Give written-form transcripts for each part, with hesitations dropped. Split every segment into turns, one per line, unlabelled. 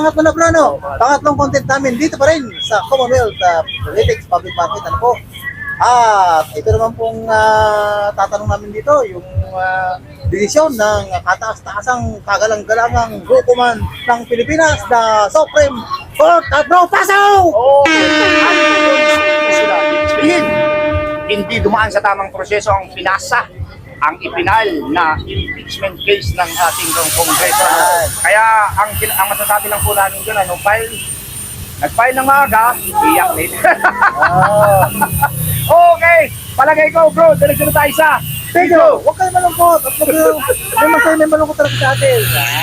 pangatlo na bro, no? Pangatlong content namin dito pa rin sa Commonwealth Politics Public Market. Ano po? Ito naman pong tatanong namin dito, yung desisyon ng kataas-taasang kagalang-galangang hukuman ng Pilipinas na Supreme Court. Bro, pasaw!
Hindi dumaan sa tamang proseso ang pinasa, ang ipinal na impeachment case ng ating Kongreso. Kaya ang masasabi lang po namin doon, nag-file ng maaga, iyak din. Okay, palagay ko bro, diretso na tayo sa
Pedro, huwag kayo malungkot. At may malungkot talaga sa atin.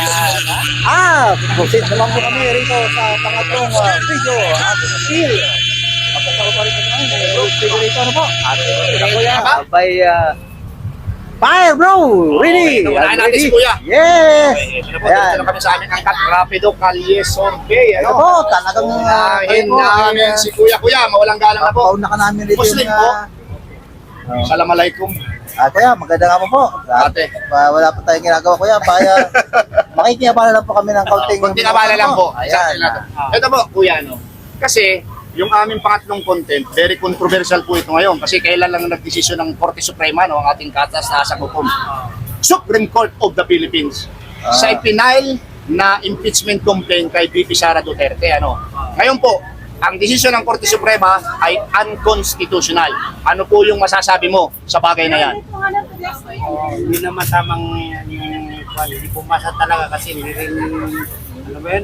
Proceed naman po kami rito sa pangatlong video. Ating appeal. Magkakaroon pa rin po namin. Video rito, ano po? By fire, bro! Ready!
Unahin natin si Kuya.
Yes!
Diretso na kami sa aming angkat, Rapido Calle Survey.
Ito po, talagang
Unahin namin si Kuya. Kuya, mawalang galang na po.
Pauna ka namin rito
Muslim po. Assalamualaikum.
Kuya, maganda nga po.
Ate.
Wala pa tayong ginagawa, kuya. Makikiyabala lang po kami ng kaunting.
Konting abala lang po.
Ayan.
Ito po, Kuya, no? Kasi, yung aming pangatlong content, very controversial po ito ngayon. Kasi kailan lang nagdesisyon ng Korte Suprema, no, ang ating kataas-taasang hukom. Supreme Court of the Philippines. Sa ipinal na impeachment complaint kay VP Sara Duterte. Ano? Ngayon po, ang desisyon ng Korte Suprema ay unconstitutional. Ano po yung masasabi mo sa bagay na yan?
Hindi naman tamang yung hindi pumasa talaga kasi hindi rin ano ba yun?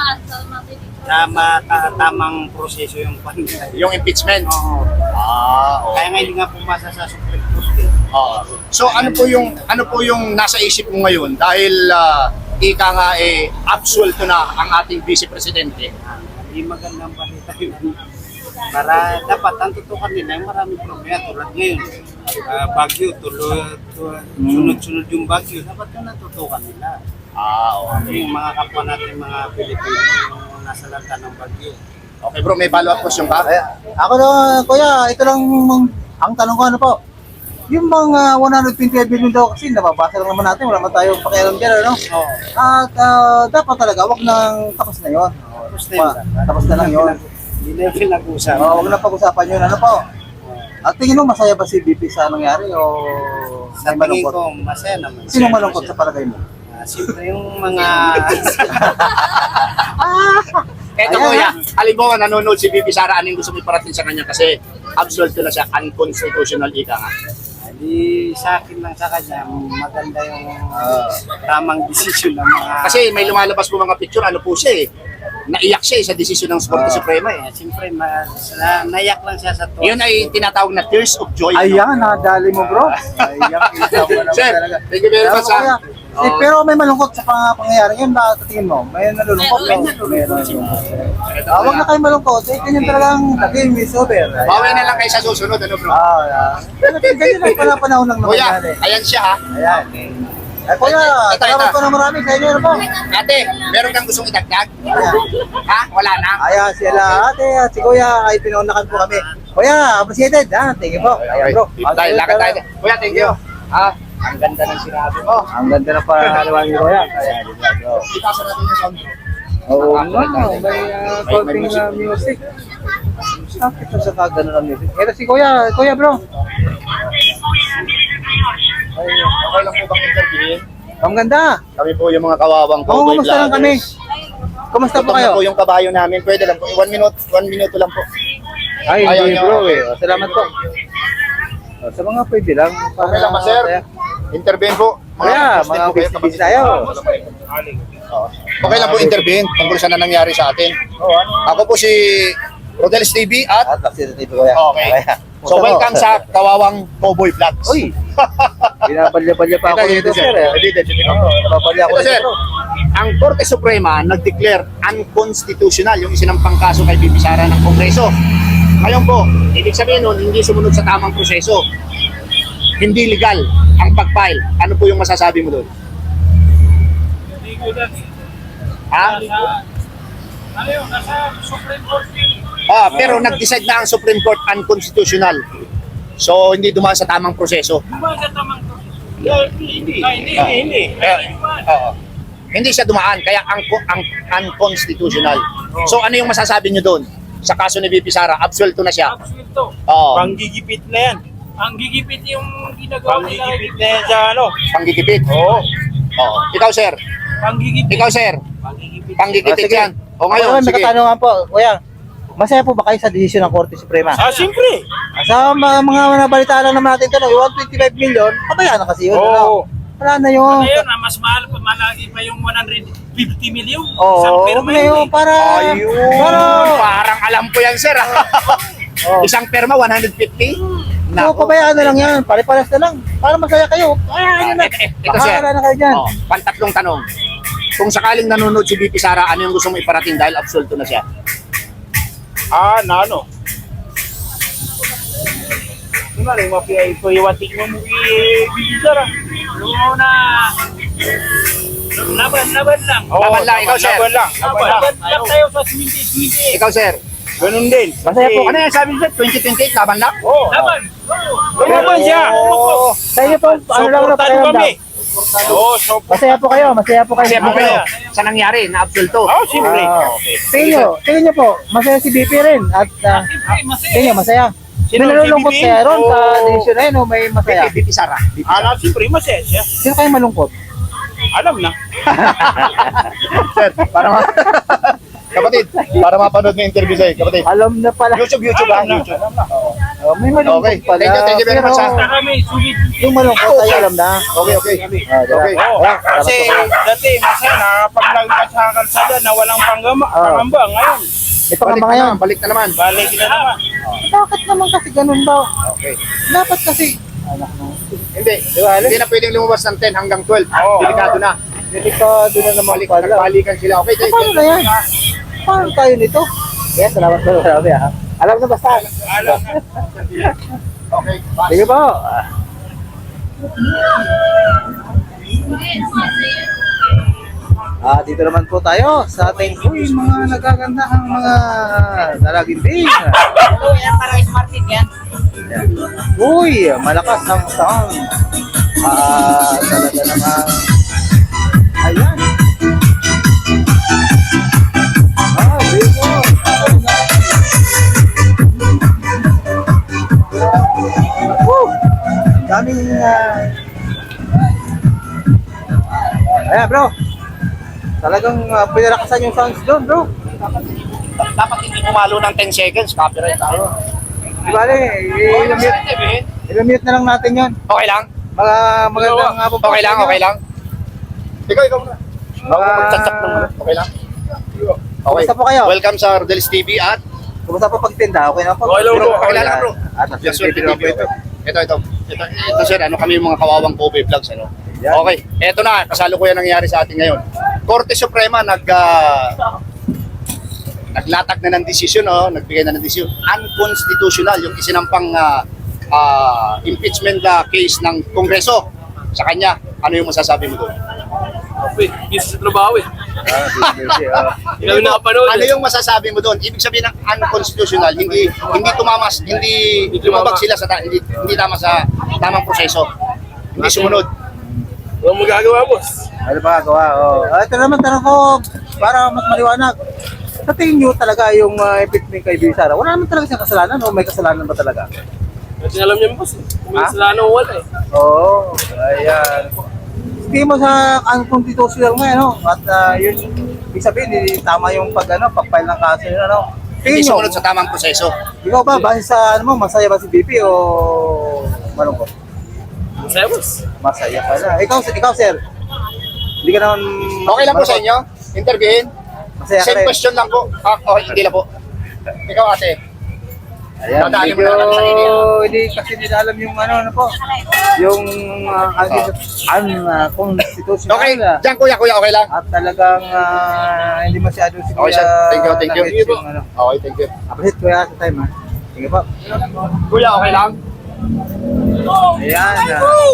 Tamang proseso yung
Yung impeachment?
Oo.
Okay.
Kaya nga hindi nga pumasa sa Supreme Court.
So ano po yung nasa isip mo ngayon dahil ika nga absuelto na ang ating Vice Presidente?
Hindi magandang balita yun. Para dapat ang tutukan nila yung maraming problema tulad ngayon. Bagyo, sunod-sunod yung bagyo. Dapat yung natutukan nila.
Okay.
Yung mga kapwa natin, mga Pilipino, yung nasa lanta ng bagyo.
Okay bro, may follow-up question ka?
Ako na, kuya, ito lang ang tanong ko, ano po? Yung mga 125 billion daw kasi nababasa lang naman natin, wala man tayong pakialam dyan, ano? At dapat talaga, wag nang tapos na yun. Tapos na lang yun.
Hindi na yung pinag-usapan.
Wag na pag-usapan yun, ano po? At tingin mo, masaya ba si BP sa nangyari o
Sa
may
tingin
malungkot?
ko, masaya naman.
Sino malungkot sa palagay mo?
Siyempre yung mga...
Eto kuya, halimbawa nanonood si VP Sara, anong gusto mo iparating sa kanya kasi absuelto na siya, unconstitutional ika nga.
Di sa akin lang sa kanya, maganda yung tamang desisyon ng mga...
Kasi may lumalabas po mga picture, ano po siya naiyak siya sa desisyon ng Korte Suprema
Siyempre, naiyak lang siya sa to.
Yun ay tinatawag na tears of joy.
Ayan, nadali mo bro. Ayan, kita mo naman
Sir,
talaga.
thank you very much.
Kuya, pero may malungkot sa pangyayari yun, tingin mo? May nalulungkot? Meron. Huwag na kayo malungkot. Ganyan talagang the game is over.
Bawi na lang kayo sa susunod, ano bro?
Ganyan lang pala panahon lang naman
Kuya,
yan eh.
ayan siya ha.
Ayan. Kuya, salamat po na marami sa inyo. Ano po?
Ate, meron kang gustong idagdag? Ha? Wala na?
Ayan, sila ate at si Kuya ay pinaunakan po kami. Kuya, appreciated ha. Thank you po. Ayan bro.
Tayo, lakad tayo. Kuya, thank you. Ang ganda ng sinabi mo.
Ang ganda na pangalawa ni Kuya. Ayan, bro.
Ipasa natin yung sound.
Oo nga, may konting music. Bakit sa kagano ng music? Ito si Kuya, Kuya bro.
Okay lang po bang interviewin?
Ang ganda.
Kami po yung mga kawawang
Oo,
cowboy
kumusta lang kami? Kumusta po
Gutom na
kayo?
po yung kabayo namin. Pwede lang po. 1 minuto lang po.
Ay,
Ayaw
hindi
niyo.
bro eh. Salamat po. Sa mga pwede lang.
Okay lang ba, sir? Intervene po.
Kaya, mga busy tayo.
Okay lang po intervene tungkol sa nangyari sa atin. Ako po si Rodelis TV at
At TV Kuya.
okay. So welcome sa Kawawang Cowboy Vlogs.
Uy! Binabalya-balya pa ako dito, sir. Nababalya ako
Ito, sir.
dito, bro.
Ang Korte Suprema nag-declare unconstitutional yung isinampang kaso kay VP Sara ng Kongreso. Ngayon po, ibig sabihin nun, hindi sumunod sa tamang proseso. Hindi legal ang pag-file. Ano po yung masasabi mo doon? Ha?
Ano yun? Nasa Supreme Court yun.
Pero nag-decide na ang Supreme Court unconstitutional. So, hindi dumaan sa tamang proseso.
Diba sa tamang proseso? Hindi.
Oo. Hindi siya dumaan, kaya unconstitutional. So ano yung masasabi nyo doon? Sa kaso ni VP Sara, absuelto na siya.
Absuelto.
Oo,
Panggigipit na yan.
Ang gigipit yung ginagawa nila.
Panggigipit na yan sa ano.
panggigipit.
Oo.
Oo. Ikaw, sir.
Panggigipit.
Ikaw, sir.
Panggigipit.
Panggigipit
sige.
yan. O ngayon,
Ngayon,
sige.
nakatanungan po, kuya, masaya po ba kayo sa desisyon ng Korte Suprema?
Siyempre.
Sa mga nabalita lang naman natin ito, no, yung 125 million, pabayaan na kasi yun.
Oo.
Ano? Wala na yun.
Ngayon, mas mahal pa, malagi pa yung 150 million.
Oo,
Isang
huwag
perma
na
yun
yun.
eh.
Para, para,
Parang alam ko yan, sir.
oh,
Isang perma, 150?
so, pabayaan na lang yan. Pare-pares na lang. Para masaya kayo. Ano na.
Ito, sir.
Bahala na kayo dyan.
Oh, pantatlong tanong. Kung sakaling nanonood si VP Sara, ano yung gusto mo iparating dahil absuelto na siya?
Na ano. Ano na rin, mapiyay ko iwatik mo mo i-bibisara.
Yung na, laban lang.
Laban lang, ikaw, sir.
Laban lang.
Laban lang tayo sa simiti.
Ikaw, sir.
Ganun din.
Masaya po.
Ano yan sabi niyo, sir? 2028, laban lang?
Oo.
Laban.
Laban siya.
Oo.
Sa inyo po, ano lang na
Supportan kami. Oo,
Masaya po kayo, masaya po kayo.
Kasi po kayo, sa nangyari, na absuelto.
Oo, siyempre.
Tingin nyo po, masaya si BP rin. At
Siyempre, masaya.
tingin nyo, masaya.
Sino,
May nalulungkot
si BP?
kaya ron sa
Oo.
desisyon na yun o may masaya?
VP Sara.
Siyempre, masaya siya.
Sino kayo malungkot?
Alam na.
Sir, para kapatid, para mapanood ng interview sa'yo, kapatid.
Alam na pala.
YouTube
Alam na.
May malungkot
Okay,
pala.
thank you very much,
Pero
ha.
Kami, sulit.
yung malungkot tayo alam na.
Okay.
Okay.
Oo, kasi dati masaya nakakapaglagay ka sa kalsada na walang
Oo.
pangamba. Ngayon,
May pangamba ngayon.
Balik na naman.
balik na naman.
Bakit naman kasi ganun ba?
Okay.
Dapat kasi. Anak mo.
Hindi, hindi na pwedeng lumabas ng 10 hanggang 12.
Oo.
Delikado na.
Delikado na naman pala.
Nagbalikan sila. Okay,
Paano na yan? Paano tayo nito? Yes, salamat po. Salamat ha. Alam na basta.
Alam na.
Okay, bye.
Sige po. Dito naman po tayo sa ating mga nagagandahang mga dalagimbing.
Para smartin yan.
Uy, malakas ang sound. Talaga naman. Ayan. Bigo. Woo! Daming ayan bro. Talagang pinalakasan yung sounds doon bro.
Dapat hindi pumalo ng 10 seconds. Copyright tayo.
Di bale, i-mute na lang natin yon.
Okay lang?
Mga magandang hapon po.
Okay lang, okay lang. Ikaw muna.
Mga-
Chat-chat lang muna. Okay lang? Okay.
Kumusta po kayo?
Welcome sa Rodel's TV at
Kumusta po pagtinda? Okay na po?
Okay lang, bro. Okay lang, bro.
At
Yes, sir,
video po ito.
Ito sir, ano kami yung mga kawawang Kobe vlogs, ano?
Yan.
Okay, eto na, kasalukuyan nangyari sa atin ngayon. Korte Suprema naglatag na ng desisyon, nagbigay na ng desisyon. Unconstitutional yung isinampang impeachment case ng Kongreso sa kanya. Ano yung masasabi mo doon?
Isa sa trabaho eh. Hindi namin nakapanood.
Ano yung masasabi mo doon? Ibig sabihin ng unconstitutional, hindi lumabag sila sa hindi tama sa tamang proseso. Hindi sumunod.
Walang magagawa, boss.
Ano ba gagawa? Ito naman tanong ko para mas maliwanag. Sa tingin nyo talaga yung impeachment kay Bibi Sara, wala naman talaga siyang kasalanan o may kasalanan ba talaga?
Kasi alam niyo, boss. May
Ha?
kasalanan o wala eh.
Oo, ayan. Tingin mo sa unconstitutional ngayon, no? At yun, ibig sabihin, hindi tama yung pag-file ng kaso yun, ano?
Hindi
Tingin nyo,
sumunod sa tamang proseso.
ikaw ba, base sa masaya ba si BP o malungkot?
Masaya, boss.
Masaya pala. Ikaw sir, hindi ka naman...
Okay lang po sa inyo? Interviewin?
Masaya ka
Same
rin.
question lang po. Hindi lang po. Ikaw ate.
Ayan,
Dadali mo
medyo
na lang sa inyo.
hindi kasi nila alam yung ano po, yung unconstitutional.
Okay, diyan kuya, okay lang?
At talagang hindi masyado si
Okay, sir. Thank you.
nag-gets yung, ano.
Okay, thank you.
Appreciate kuya sa time ha. Sige po.
Kuya, okay lang?
Ayan.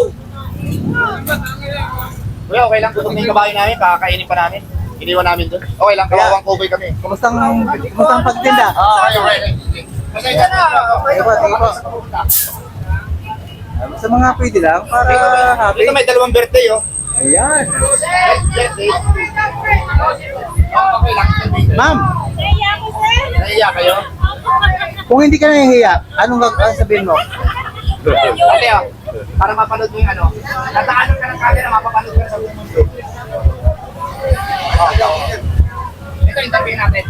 Kuya, okay lang. Gutom na yung kabayo namin. Kakakainin pa namin. Iniwan namin doon. Okay lang, kawawang Kobe kami.
Kumustang pagtinda?
Okay. Pasensya na.
Sige po, sige po. Sa mga pwede lang para happy.
Dito may dalawang birthday, oh.
Ayan.
Okay lang.
Ma'am,
Naiya kayo?
kung hindi ka nahihiya, anong sabihin mo?
Ate, para mapanood mo yung ano, nataanan ka ng camera, mapapanood ka sa buong mundo. Ito yung tabi natin.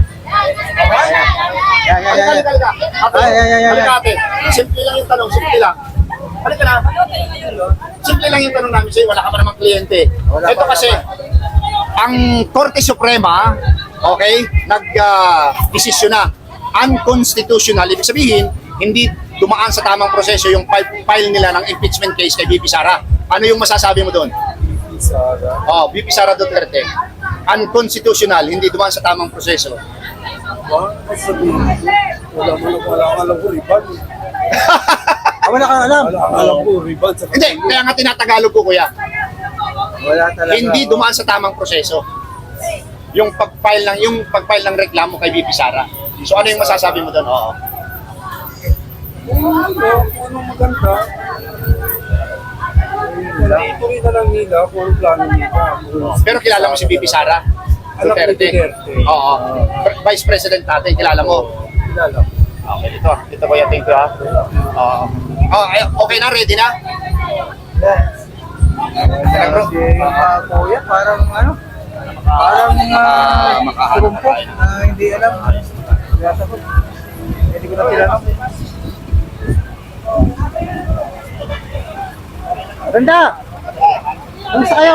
Yan.
Halika. Ate,
Ay.
halika ate. Simple lang yung tanong, simple lang. Halika na. Simple lang yung tanong namin sa'yo, wala ka pa namang kliyente. Ito kasi, ang Korte Suprema, okay, nag-desisyon na unconstitutional. Ibig sabihin, hindi dumaan sa tamang proseso yung file nila ng impeachment case kay VP Sara. Ano yung masasabi mo doon? VP Sara Duterte. Unconstitutional, hindi dumaan sa tamang proseso.
Wala kang alam.
Hindi, kaya nga tinatagalog ko, kuya.
Wala talaga.
Hindi dumaan sa tamang proseso. Yung pag-file ng reklamo kay VP Sara. So ano yung masasabi mo doon? Oo.
Anong maganda? Ituloy na lang nila kung ano plano nila.
Pero kilala mo si VP Sara
Alam ko
Duterte.
Duterte.
Oo. Vice President natin, kilala mo.
Kilala.
Okay, ito ko yung tingko ha. Oo. Okay na, ready na? Tara, bro.
Kuya, parang ano? Parang surumpok na hindi alam. Kaya sagot. Hindi ko na kilala. Ganda! Kamusta kayo?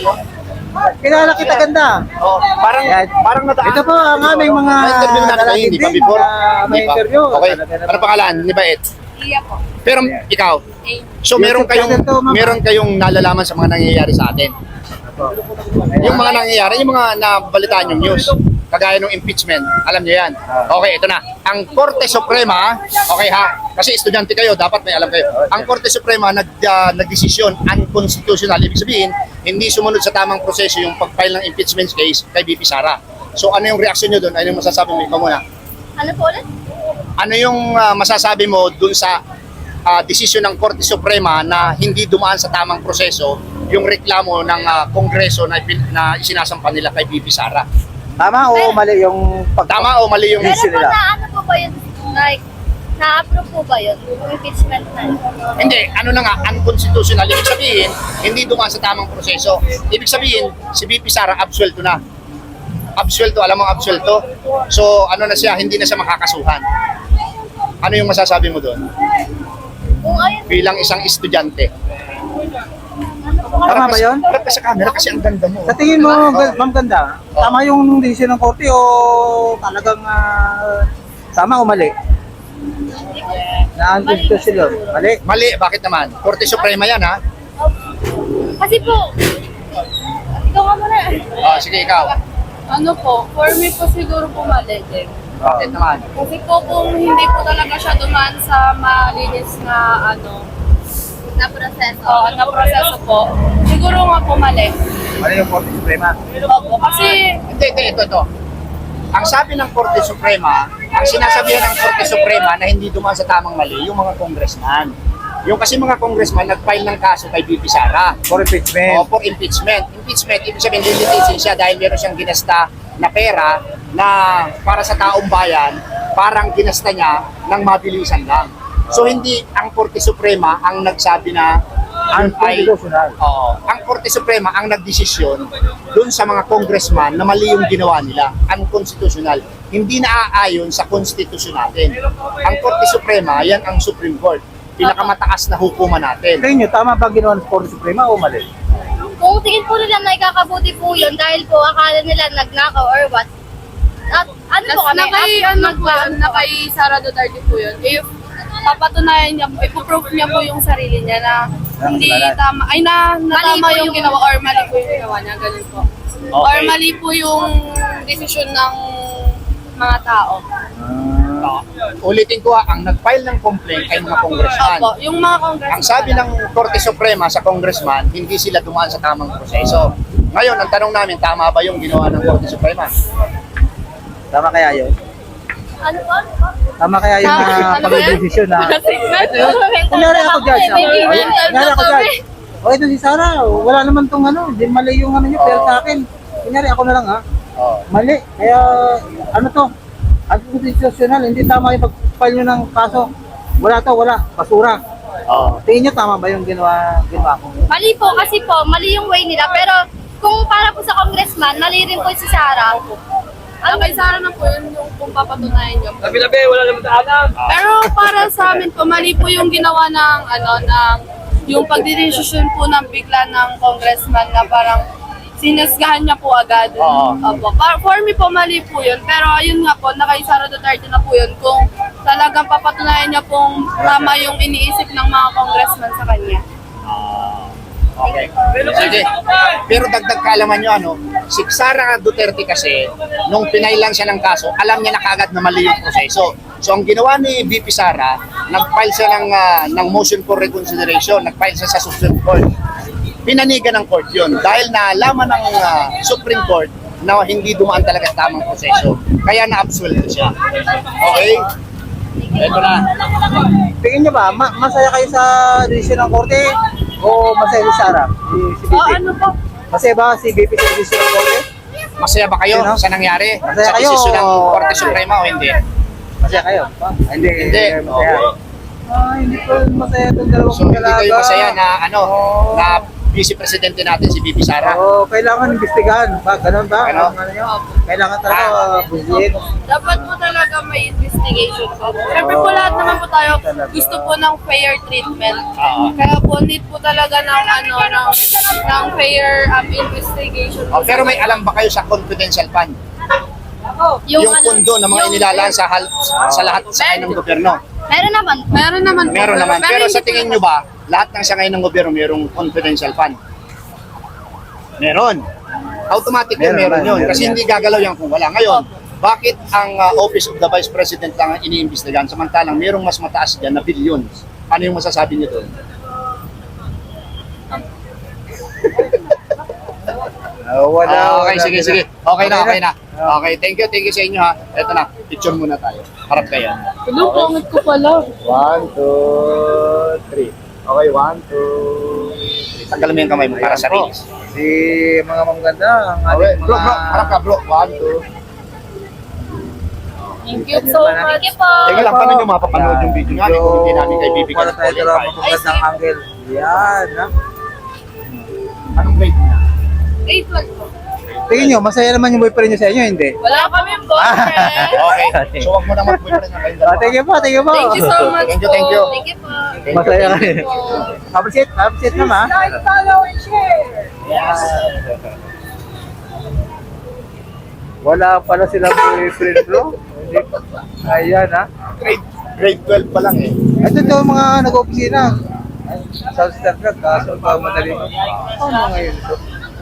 Kilala kita, ganda.
Oh, parang nadaan.
Ito po ang aming mga
Na-interview natin kayo, hindi pa
din
before?
na may
Hindi pa.
interview.
Okay.
Talaga naman.
Ano pangalan? Ni Baet?
Iya po.
Pero ikaw, so meron kayong nalalaman sa mga nangyayari sa atin. Yung mga nangyayari, yung mga nabalitaan yung news, kagaya ng impeachment, alam niyo yan. Okay, ito na. Ang Korte Suprema, okay ha, kasi estudyante kayo, dapat may alam kayo. Ang Korte Suprema nagdesisyon unconstitutional, ibig sabihin, hindi sumunod sa tamang proseso yung pag-file ng impeachment case kay VP Sara. So ano yung reaksyon nyo doon? Ano yung masasabi mo? Ikaw muna.
Ano po ulit?
Ano yung masasabi mo dun sa desisyon ng Korte Suprema na hindi dumaan sa tamang proseso yung reklamo ng Kongreso na isinasampa nila kay VP Sara?
Tama o mali yung
Tama o mali yung
Pero
issue
po
nila?
na ano po ba yun? Like, na-approve po ba yun? Yung impeachment na yun?
Hindi, ano na nga, unconstitutional. Ibig sabihin, hindi dumaan sa tamang proseso. Ibig sabihin, si VP Sara absuelto na. Absuelto, alam mo absuelto? So, ano na siya, hindi na siya makakasuhan. Ano yung masasabi mo doon?
Kung ayun,
Bilang isang estudyante.
Tama ba yun?
Harap ka sa camera kasi ang ganda mo.
Sa tingin mo, ma'am ganda, tama yung desisyon ng korte o talagang tama o mali? Na-unconstitutional. Mali.
Mali, bakit naman? Korte Suprema yan, ha?
kasi po, ikaw nga muna.
Sige, ikaw.
Ano po, for me po siguro po mali din.
Bakit naman?
Kasi po kung hindi po talaga siya dumaan sa malinis na
Na proseso.
na proseso po, siguro nga po mali.
Mali yung korte suprema.
Opo, kasi
Hindi, ito. Ang sabi ng Korte Suprema, ang sinasabihan ng Korte Suprema na hindi dumaan sa tamang mali, yung mga congressman. Yung kasi mga congressman nag-file ng kaso kay VP Sara.
For impeachment.
O for impeachment. Impeachment, ibig sabihin, lilitisin siya dahil meron siyang ginasta na pera na para sa taong bayan, parang ginasta niya ng mabilisan lang. So hindi ang Korte Suprema ang nagsabi na yun ay
Unconstitutional.
ang Korte Suprema ang nagdesisyon doon sa mga congressman na mali yung ginawa nila, unconstitutional. Hindi naaayon sa konstitusyon natin. Ang Korte Suprema, yan ang Supreme Court. Pinakamataas na hukuman natin.
Tingin nyo, tama ba ginawa ng korte suprema o mali?
Kung tingin po nila na ikakabuti po yun dahil po akala nila nagnakaw or what. At ano po kami?
nakay Sara Duterte po yun. If papatunayan niya, ipoproof niya po yung sarili niya na hindi tama,
Mali
tama
po
yung
yung-
ginawa or mali po yung ginawa niya, ganun po. Or mali po yung desisyon ng mga tao.
Ulitin ko ang nag-file ng complaint ay mga congressman.
Opo, yung mga congressman.
Ang sabi ng Korte Suprema sa congressman, hindi sila dumaan sa tamang proseso. Ngayon, ang tanong namin, tama ba yung ginawa ng Korte Suprema?
Tama kaya yun?
Ano po?
Tama kaya yung
Ano ba yan?
pag-desisyon na...
Signal.
Kunyari ako, Judge.
May
Kunyari ako, Judge. O ito si Sara, wala naman tong ano, hindi mali yung ano niya, pero sa akin, kunyari ako na lang ha, mali. Kaya ano to, anti-constitutional, hindi tama yung pag-file nyo ng kaso. Wala to, wala, basura. Tingin nyo tama ba yung ginawa ko?
Mali po kasi po, mali yung way nila. Pero kung para po sa congressman, mali rin po si Sara.
Ang kay Sara na po yun yung kung papatunayan niyo.
Labi-labi, wala naman daanan.
Pero para sa amin po, mali po yung ginawa ng yung pagdidesisyon po ng bigla ng congressman na parang sinasgahan niya po agad. Opo. For me po, mali po yun. Pero ayun nga po, na kay Sara Duterte na po yun. Kung talagang papatunayan niya pong tama yung iniisip ng mga congressman sa kanya.
Okay. Sige. Pero dagdag kaalaman nyo, ano, si Sara Duterte kasi, nung pinailan siya ng kaso, alam niya na kagad na mali yung proseso. So ang ginawa ni VP Sara, nag-file siya ng motion for reconsideration, nag-file siya sa Supreme Court. Pinanigan ng court yun dahil naalaman ng Supreme Court na hindi dumaan talaga sa tamang proseso. Kaya na-absuelto siya. Okay? Ito na.
Tingin nyo ba, masaya kayo sa desisyon ng korte o masaya si Sara? Si BP?
Ano po?
Masaya ba si BP sa desisyon ng korte?
Masaya ba kayo
Sino?
sa nangyari?
Masaya
Sa
kayo?
desisyon ng Korte Suprema o hindi?
Masaya kayo? Hindi.
Hindi.
Masaya. Hindi po masaya itong dalawang
So hindi
dalaga.
kayo masaya na na Vice Presidente natin si VP Sara.
Oo, kailangan imbestigahan. Ba, ganun ba?
Ano?
Ano nyo? Kailangan talaga busiin.
Dapat po talaga may investigation po. Siyempre po lahat naman po tayo gusto po ng fair treatment. Kaya po need po talaga ng fair investigation.
Oh, pero may alam ba kayo sa confidential fund? Yung pondo na mga inilalaan sa lahat sa ng gobyerno.
Meron naman.
Meron naman po.
Meron naman. Pero
hindi
sa
po-
tingin nyo ba, lahat ng sangay ng gobyerno mayroong confidential fund? Meron. Automatic yun, meron yun. Kasi hindi gagalaw yan kung wala. Ngayon, bakit ang Office of the Vice President lang ang iniimbestigahan samantalang mayroong mas mataas dyan na billions? Ano yung masasabi niyo doon?
Wala.
Okay, sige, sige. Okay na. Okay, thank you sa inyo ha. Ito na, picture muna tayo. Harap kayo.
Hello, pangit ko pala.
1, 2, 3. Okay, 1, 2, 3.
Tanggalin mo yung kamay mo para sa release.
Si mga mamaganda, ang
Okay,
ating
bro,
mga...
harap ka bro. 1, 2.
Thank you so much.
Thank you po.
Teka lang, paano nyo mapapanood yung video namin kung hindi namin kay bibigyan
Para
ng
tayo
qualify?
talaga magandang angle. Yan, ha?
Anong grade mo na?
Grade 12 po.
Tingin nyo, masaya naman yung boyfriend nyo sa inyo, hindi?
Wala kami boyfriend.
Okay, so wag mo na mag-boyfriend na kayong dalawa.
Thank you po.
Thank you so much
Thank you,
po.
thank you.
Thank you po.
Masaya
Thank you po.
Appreciate naman.
Like, follow, and share.
Wala pala silang boyfriend, bro. Hindi pa. Ayan, ha?
Grade 12 pa lang eh.
Ito to mga nag-opisina. Sa Starbucks, kaso pa madali mo. Ano ngayon ito?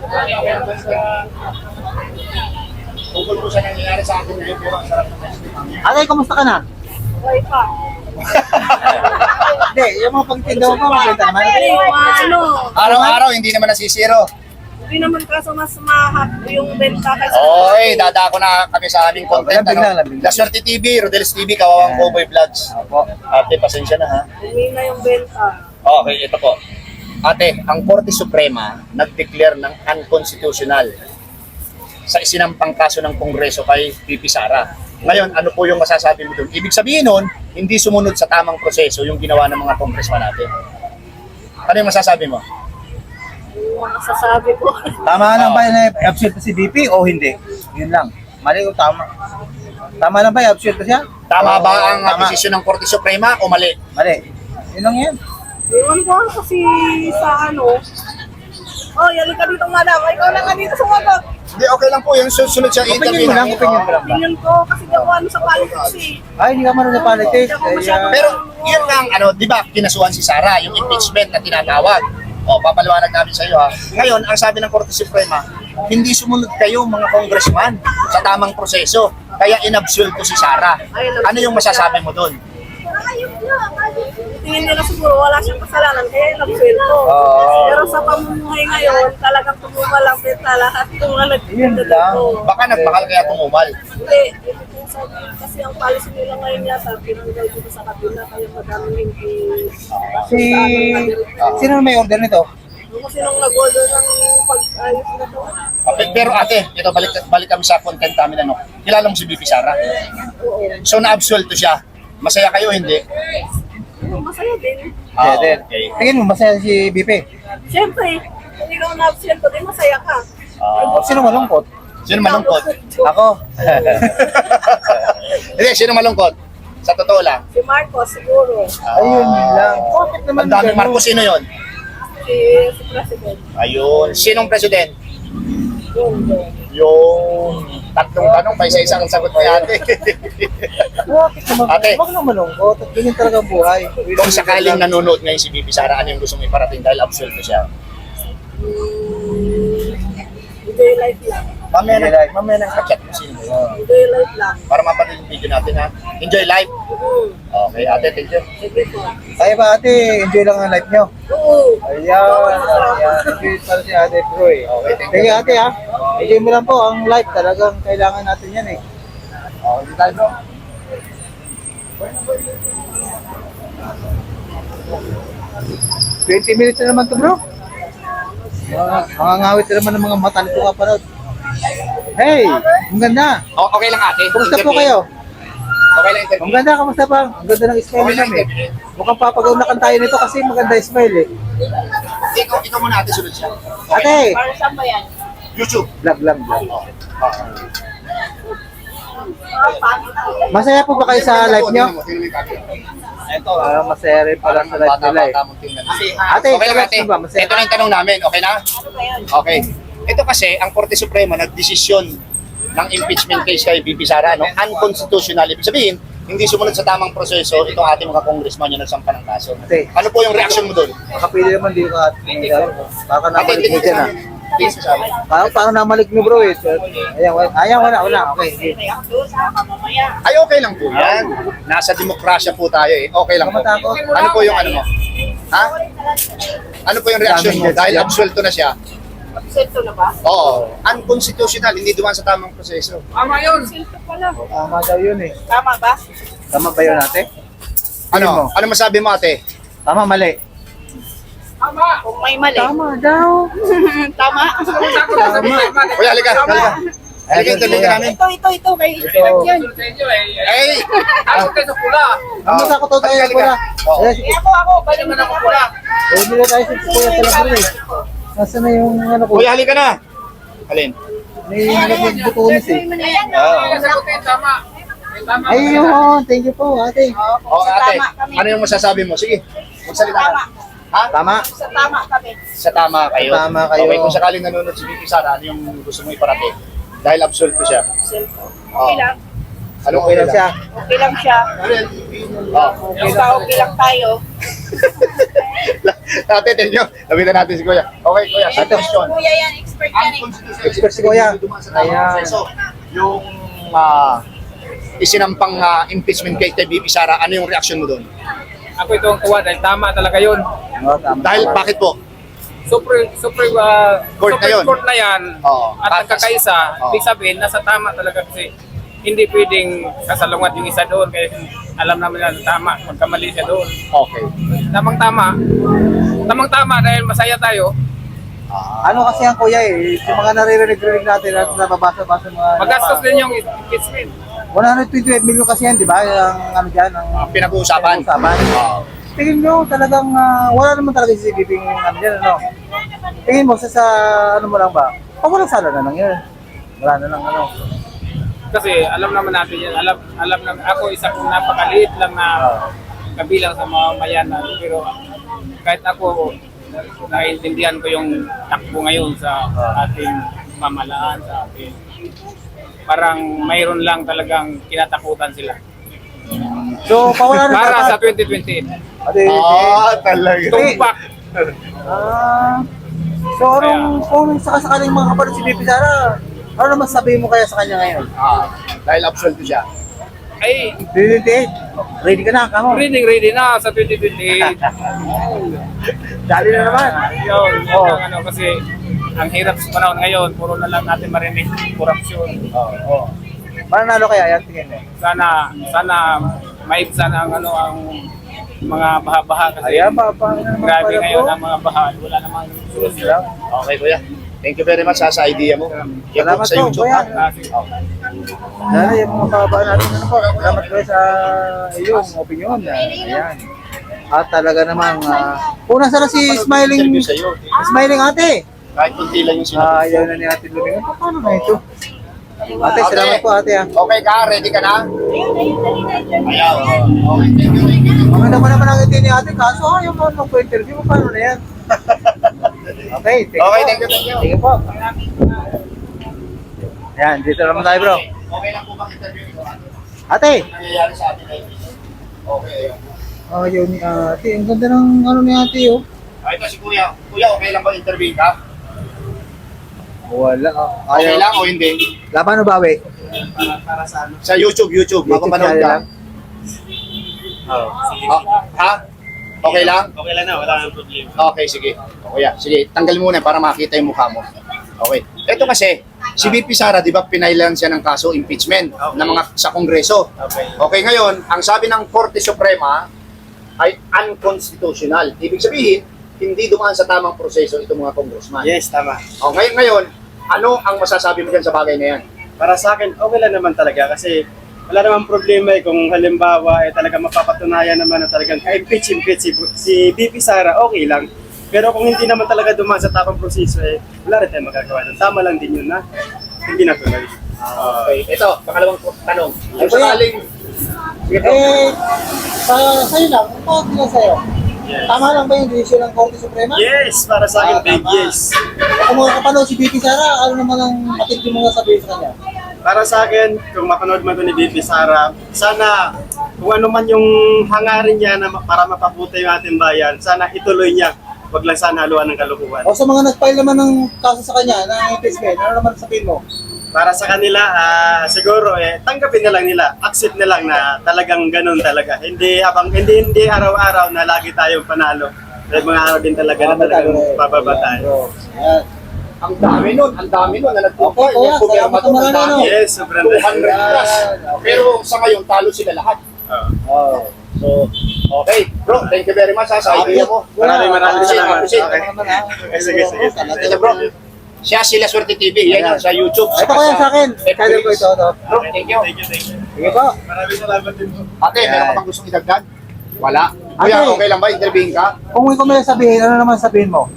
Tungkol po sa nangyayari sa akin ngayon, pero ang sarap ng testimony.
Atay, kumusta ka na?
Okay pa.
Hindi, yung mga pagtindaw mo, maganda naman.
Araw-araw, hindi naman nasisiro.
Hindi naman kaso mas mahap yung benta kasi.
Oy, dadako na kami sa aming content.
Lambing lang, lambing lang.
La Suerte TV, Rodel's TV, Kawawang Cowboy Vlogs.
Opo.
Ate, pasensya na ha.
Hindi na yung benta.
Okay, ito po. Ate, ang Korte Suprema nag-declare ng unconstitutional sa isinampang kaso ng Kongreso kay VP Sara. Ngayon, ano po yung masasabi mo doon? Ibig sabihin nun, hindi sumunod sa tamang proseso yung ginawa ng mga congressman natin. Ano yung masasabi mo?
Masasabi ko.
Tama lang ba na i-absent si BP o hindi? Yun lang. Mali o tama? Tama lang ba i-absent siya?
Tama
Oo,
ba ang
tama.
desisyon ng Korte Suprema o mali?
Mali. Yun lang yan.
Iwan ko kasi sa Oh, yali ka dito madam. Ikaw lang ka dito sumagot.
Hindi, okay lang po. Yung susunod siya
Opinion mo lang, opinion mo lang ba?
Opinion ko kasi di ako ano sa politics eh.
Ay, hindi ka marunong sa politics.
Pero yun nga, ano, di ba, kinasuhan si Sara, yung impeachment na tinatawag. O, papaliwanag namin sa iyo ha. Ngayon, ang sabi ng Korte Suprema, hindi sumunod kayo mga congressman sa tamang proseso. Kaya inabsuelto si Sara. Ano yung masasabi mo doon?
Tingin nila siguro wala siyang kasalanan kaya nag-sweldo.
Oo.
Pero sa pamumuhay ngayon, talagang tumumalapit na lahat ng mga
Yun
nagtitinda
lang.
dito.
Baka nagmahal kaya tumumal.
Hindi, ito po sabi, kasi ang policy nila ngayon yata, pinanggal dito sa kabila, kaya madaming hindi.
Sino may order nito?
Kasi nung nag-order ng pag-ayos na to.
Pero ate, ito balik kami sa content namin ano. Kilala mo si BP Sara? So na-absuelto siya. Masaya kayo hindi?
Masaya din.
Okay.
Tingin mo, masaya si BP.
Siyempre, kung ikaw na-absent ko din, masaya ka.
Sino malungkot?
Sino malungkot?
Ako.
Hindi, sino malungkot? Sa totoo lang.
Si Marcos siguro.
Ayun lang. Bakit naman
Ang daming Marcos, sino yon?
Si President.
Ayun. Sinong president?
Yun.
Yung tatlong tanong, pa isa-isang sagot ni ate.
Bakit naman?
Ate.
Bakit naman malungkot? At ganyan talaga ang buhay.
Kung sakaling nanonood ngayon si BP Sara, ano yung gusto mo iparating dahil absuelto siya?
Enjoy life lang.
Mamaya nang kachat mo sino yun.
Enjoy life lang.
Para mapanood yung video natin ha. Enjoy life. Okay, ate, thank you.
Sige po.
Kaya ba ate, enjoy lang ang life nyo?
Oo.
Ayan. Enjoy para si ate bro eh.
Okay, thank
Sige
you.
ate ha. Enjoy mo lang po ang life. Talagang kailangan natin yan eh.
Okay, di tayo bro.
20 minutes na naman to bro. Mga ngawit na naman ng mga mata nito kapanood. Hey, ang ganda.
Okay lang ate.
Kumusta po
Interview.
kayo?
Okay lang interview.
Ang ganda, kamusta pa? Ang ganda ng smile
Okay lang
namin.
interview.
Mukhang papagawnakan tayo nito kasi maganda yung smile eh.
Ikaw muna ate, sunod siya.
Ate,
Para saan ba yan?
YouTube.
vlog lang vlog. Masaya po ba kayo sa live nyo?
Ito,
Masaya rin pala sa live nila eh. Ate,
okay lang ate.
congrats po ba? Masaya.
Ito na yung tanong namin, okay na? Okay. Ito kasi, ang Korte Suprema nagdesisyon ng impeachment case kay BP Sara, no? Unconstitutional. Ibig sabihin, hindi sumunod sa tamang proseso itong ating mga congressman yung nagsampa ng kaso.
Ate.
Ano po yung reaction mo doon?
Makapili naman di ka. Baka namalik mo dyan ah.
Please, sabi.
Parang namalik mo bro eh. Ayan, wala. Okay.
Ay, okay lang po yan. Nasa demokrasya po tayo eh. Okay lang po.
Kamatakot.
Ano po yung ano mo? Ha? Ano po yung reaction mo? Dahil absuelto na siya.
Absento na ba?
Oo. Unconstitutional, hindi dumaan sa tamang proseso.
Tama yun.
Absento pala.
Tama daw yun eh.
Tama ba?
Tama ba yun ate?
Ano? Ano masabi mo ate?
Tama, mali.
Tama.
Kung may mali.
Tama daw.
Tama?
Kuya, halika. Halika, interview ka namin.
Ito. May
Ito.
yan.
Sa inyo eh.
Ay!
Ako kayo sa pula.
Ang matakot daw tayo
Halika,
pula.
halika. Oo.
Ako. Balik
Naman ako pula.
Hindi na tayo sa kuya talaga bro eh. Nasaan na yung ano ko?
Kuya, halika na. Alin?
May nagbutunis eh.
Kaya sagutin, tama. Tama.
Ayun, thank you po ate.
O ate, ano yung masasabi mo? Sige, magsalita ka. Ha?
Tama.
Sa tama kami.
Sa tama kayo.
Sa tama kayo.
Okay, kung sakaling nanonood si BP Sara, ano yung gusto mo iparating? Dahil absuelto siya.
Okay lang.
Ano
Okay lang siya.
Okay lang siya.
Oh.
Basta okay lang tayo.
Ate, thank you. Labitan natin si Kuya. Okay, Kuya, sa question.
Kuya yan, expert yan eh.
Expert si Kuya. Ayan.
So, yung isinampang impeachment case kay BP Sara, ano yung reaction mo doon?
Ako itong tuwa dahil tama talaga yun.
Oh, tama.
Dahil bakit po?
Supreme
Court na yun.
Court na yan.
Oo.
At nagkakaisa,
Oo.
ibig sabihin, nasa tama talaga kasi hindi pwedeng sasalungat yung isa doon kasi alam namin na tama, magkamali siya doon.
Okay.
Tamang-tama. Tamang-tama dahil masaya tayo.
Ano kasi ang kuya eh, yung mga naririnig natin at nababasa-basa mga...
Magastos din yung impeachment.
128 million kasi yan, di ba? Yung ano dyan, ang
Pinag-uusapan.
pinag-uusapan. Tingin nyo talagang wala naman talaga si CCTV ano dyan, ano? Tingin mo sa ano mo lang ba? Walang sala na lang yun. Wala na lang ano.
Kasi alam naman natin yan. Alam naman, ako isa kong napakaliit lang na kabilang sa mga mayanan. Pero kahit ako, naiintindihan ko yung takbo ngayon sa ating mamalaan, sa ating parang mayroon lang talagang kinatakutan sila.
So, pawala na
Para sa
dapat.
2028.
Ate,
Talaga.
Tumpak.
So, kung sakasakaling mga kapatid si BP Sara, ano naman sabihin mo kaya sa kanya ngayon?
Dahil absuelto siya.
Ay,
2028, ready ka na, kamo?
ready na sa 2028.
Dali na naman.
Yun, yun ang ano, kasi ang hirap sa panahon ngayon, puro na lang natin marinig korupsyon.
Mananalo kaya yan, tingin mo?
Sana maibsan ang mga baha-baha kasi
Ayan, pa,
grabe ngayon ang mga baha. Wala namang
sunod nila.
Okay, kuya. Thank you very much sa idea mo. Yan po
Salamat
sa
po,
YouTube,
kuya.
ha?
Sana yung mga kababaan natin, ano po, salamat kayo sa iyong opinion. Ayan. At talaga namang, una sana si Smiling,
Interview sa'yo.
Smiling ate.
Kahit kunti lang yung sinabi.
Ayaw na ni ate Lumingan. Paano na ito? Ate, salamat po ate ah.
Okay ka? Ready ka na? Ayaw. Okay, thank you, thank you.
Mga naman naman ang hindi ni ate, kaso ayaw mo magpo-interview mo, paano na yan? Okay,
Okay, thank you, thank you.
Thank you po. Ayan, dito naman tayo bro.
Okay lang po bang interview ito?
Ate!
Nangyayari sa atin ay okay.
Ayaw ni ate, ang ganda ng ano ni ate oh.
Ito si Kuya. Kuya, okay lang ba interview ka?
Wala.
Okay lang o hindi?
Laban o bawi?
Para sa ano?
Sa YouTube, mapapanood
channel
ka.
lang?
Ha? Okay lang?
Okay lang na, wala nang problema.
Okay, sige. Kuya, sige, tanggal muna para makita yung mukha mo. Okay. Ito kasi, si VP Sara, di ba, pinailan siya ng kaso impeachment ng mga sa Kongreso.
Okay.
Okay, ngayon, ang sabi ng Korte Suprema ay unconstitutional. Ibig sabihin, hindi dumaan sa tamang proseso itong mga congressman.
Yes, tama.
Okay, ngayon, ano ang masasabi mo dyan sa bagay na yan?
Para sa akin, okay lang naman talaga kasi wala namang problema kung halimbawa talaga mapapatunayan naman na talagang ka-impeach si BP Sara, okay lang. Pero kung hindi naman talaga dumaan sa tamang proseso, wala rin tayong magagawa doon. Tama lang din yun na hindi natuloy.
Okay, ito, pangalawang tanong. Kung
Kuya.
sakaling, sige po.
Sa'yo lang, ano lang sa'yo?
Yes.
Tama lang ba yung desisyon ng Korte Suprema?
Yes, para sa akin, big
tama.
yes.
Kung mga kapanood si BP Sara, ano naman ang matindi mo nga sabihin sa kanya?
Para sa akin, kung mapanood man ito ni BP Sara, sana kung ano man yung hangarin niya na para mapabuti yung ating bayan, sana ituloy niya. Wag lang sana haluan ng kalukuhan.
O sa mga nag-file naman ng kaso sa kanya, ng impeachment, ano naman sabihin mo?
Para sa kanila, siguro tanggapin na lang nila, accept na lang na talagang ganun talaga. Hindi araw-araw na lagi tayong panalo. May mga araw din talaga na talagang bababa tayo.
Ayan.
Ang dami nun na nagpupo.
Okay, kuya,
Yung pumirma
salamat
doon,
naman,
ang dami.
ano?
Yes, sobrang
200 plus. Pero sa ngayon, talo sila lahat.
Oh.
So, okay. Bro, thank you very much sa idea mo.
Maraming salamat.
Appreciate.
Okay. Sige.
Ito bro, siya sila Swerte TV. Yan yung sa YouTube.
Ito kaya sa akin. Kaya ko ito.
Bro, thank you.
Sige po.
Maraming salamat din po.
Ate, meron ka bang gustong idagdag? Wala. Kuya,
Ate.
okay lang ba? Interviewin ka?
Kung may kumila sabihin, ano naman sabihin mo?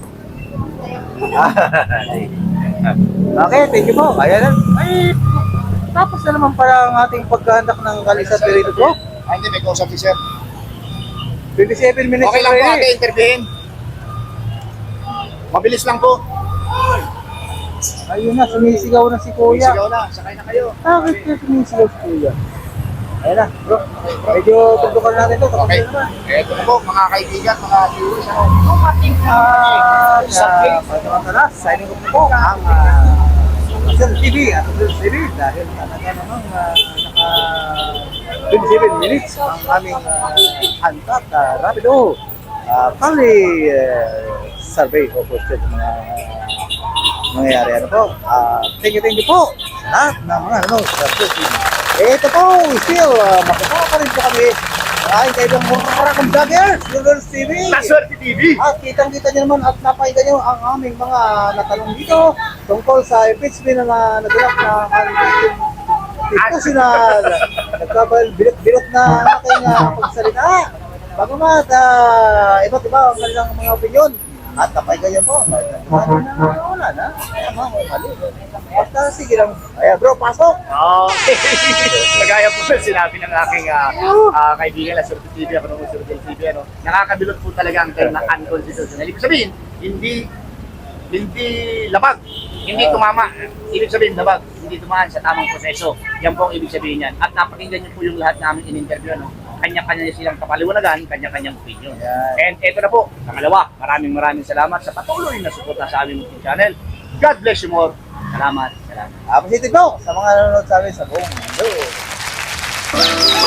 Okay, thank you po. Ayan lang. Ay, tapos na naman pala ang ating pagkahandak ng Kalisan Perito po.
Ay, hindi, may kausap si sir.
27 minutes
Okay lang po
already.
ate, interviewin. Mabilis lang po.
Ayun na, sumisigaw na si Kuya.
Sigaw na, sakay na kayo.
Bakit ka sumisigaw si Kuya? Ayun na, bro. Medyo tutukan natin ito.
Okay. Eto na po, mga kaibigan, mga viewers. Dumating
Signing off na po ang Sir TV at Sir TV dahil talaga namang naka 27 minutes ang aming hantat rapido kali survey o question ng mga nangyayari ano po. Thank you po sa lahat ng mga ano sa Sir TV. Ito po, still makikita pa rin po kami ay kaibang marakang vlogger, Silver TV.
Swerte TV.
At kitang-kita nyo naman at napakinggan nyo ang aming mga natanong dito tungkol sa impeachment na naganap na constitutional. Nagkabalot na aking pagsalita. Bagamat iba't iba ang kanilang mga opinion. At napakinggan nyo po. Wala na. Mali. Basta sige lang. Ayan bro, pasok.
Okay. Kagaya po sinabi ng aking kaibigan na Swerte TV, ako nung Swerte TV, ano, nakakabilot po talaga ang term na unconstitutional. Ibig sabihin, hindi labag, hindi tumama. Ibig sabihin, labag, hindi tumaan sa tamang proseso. Yan po ang ibig sabihin yan. At napakinggan niyo po yung lahat namin in-interview, ano, kanya-kanya silang kapaliwanagan, kanya-kanyang opinion. And eto na po, pangalawa, maraming salamat sa patuloy na suporta sa aming YouTube channel. God bless you more. Salamat.
Appreciate po sa mga nanonood sa amin sa buong mundo.